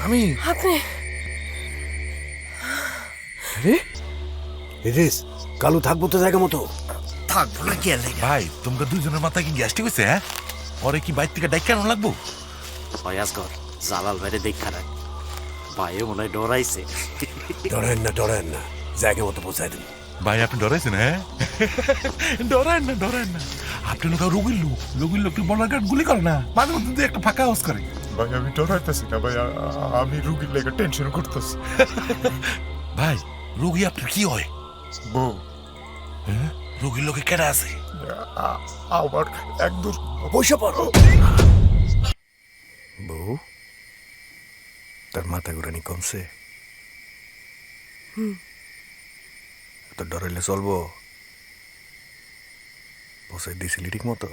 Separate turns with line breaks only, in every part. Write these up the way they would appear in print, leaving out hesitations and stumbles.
আমি
আপনি
রে রিস কালু থাকবো তো জায়গা মতো
থাকবো না কি লাগে ভাই তোমরা দুইজনের মাথায় কি গ্যাস্ট্রিক হইছে হ্যাঁ পরে কি বাইর থেকে ডাইক কেন লাগবো
ফয়াজগর জালাল ভাইরে দেখা রাখ ভাইও মনে হয় ডরাইছে
ডরেন না জায়গা মতো পৌঁছায় দিন
ভাই আপনি ডরাইছেন হ্যাঁ ডরান না আপনি লোক রোগীর লোককে বলার গার্ড গুলি করে না মাঝে মধ্যে দিয়ে একটা ফাঁকা আওয়াজ করে
ভাই আমি ডরাইতেছি না ভাই আমি রুগীর লেগে টেনশন করতেছি
ভাই রোগী আপনার কি হয়
বউ
হ্যাঁ রোগীর লোকে কেডা আছে
আবার একদম
পয়সা পড়ো বউ তার মাথা ঘুরানি কমছে তো ডরাইলে চলবো পৌঁছাই দিয়েছিলি ঠিক মতো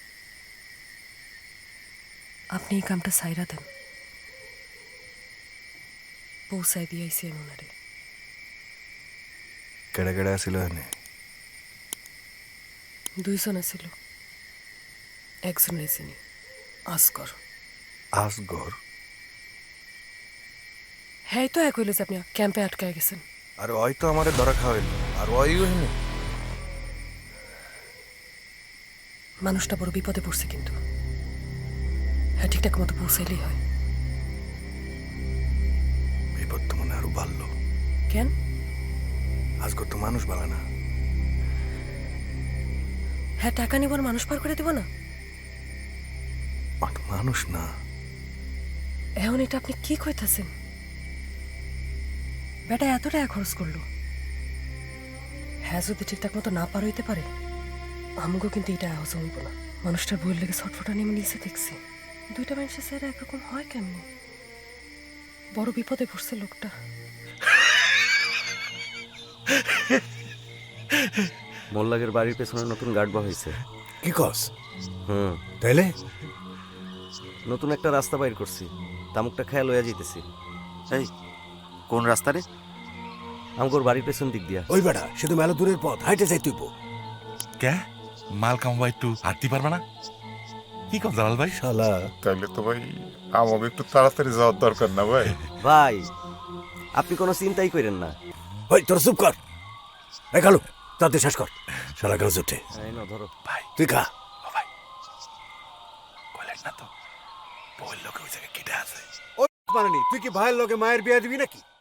আপনি এই কামটা সাইরা দেন পৌঁছায় দিয়েছি আমি ওনারে
কেডা কেডা আসিল এনে
দুইজন আছিল একজন রেসিনি আসকর
আসগর
হ্যাঁ তো এক হইল যে আপনি ক্যাম্পে আটকায় গেছেন
আর ওই তো আমারে ধরা খাওয়াইল আর ওইও হেনে
মানুষটা বড় বিপদে পড়ছে কিন্তু হ্যাঁ ঠিকঠাক মতো পৌঁছাইলেই হয়
বিপদ তো মনে আরো বাড়লো
কেন
আজগর তো মানুষ বালা না
হ্যাঁ টাকা নিব আর মানুষ পার করে দিব না
আর মানুষ না
এখন এটা আপনি কি কইতাছেন বেটা এত টাকা খরচ করলো হ্যাঁ যদি ঠিকঠাক মতো না পার হইতে পারে আমাকেও কিন্তু এটা হজম হইব না মানুষটার বই লেগে ছটফটা নেমে নিচে দেখছি দুইটা মানুষের চেহারা একরকম হয় কেমনি বড় বিপদে পড়ছে লোকটা
মোল্লাগের বাড়ির পেছনে নতুন গার্ড হয়েছে
কি কস
হুম
তাইলে
নতুন একটা রাস্তা বাইর করছি তামুকটা খেয়াল হইয়া যেতেছি এই কোন রাস্তা রে আমগোর বাড়ির পেছন দিক দিয়া
ওই বেটা সে তো মেলা দূরের পথ হাইটে যাই তুইব
কে মাল কামাবা একটু হাঁটতে পারবে না কি কম জালাল ভাই
শালা
তাইলে তো ভাই আমাকে একটু তাড়াতাড়ি যাওয়ার দরকার না ভাই
ভাই আপনি কোনো চিন্তাই করেন না
ওই তোর চুপ কর এই কালু তাতে শেষ কর শালা গাছ উঠে
এই নাও ধরো
ভাই
তুই খা
ও ভাই কইলেন না তো বইল লোকে ওই জায়গায় কেটে আছে
মানে তুই কি ভাইয়ের লগে মায়ের বিয়ে দিবি নাকি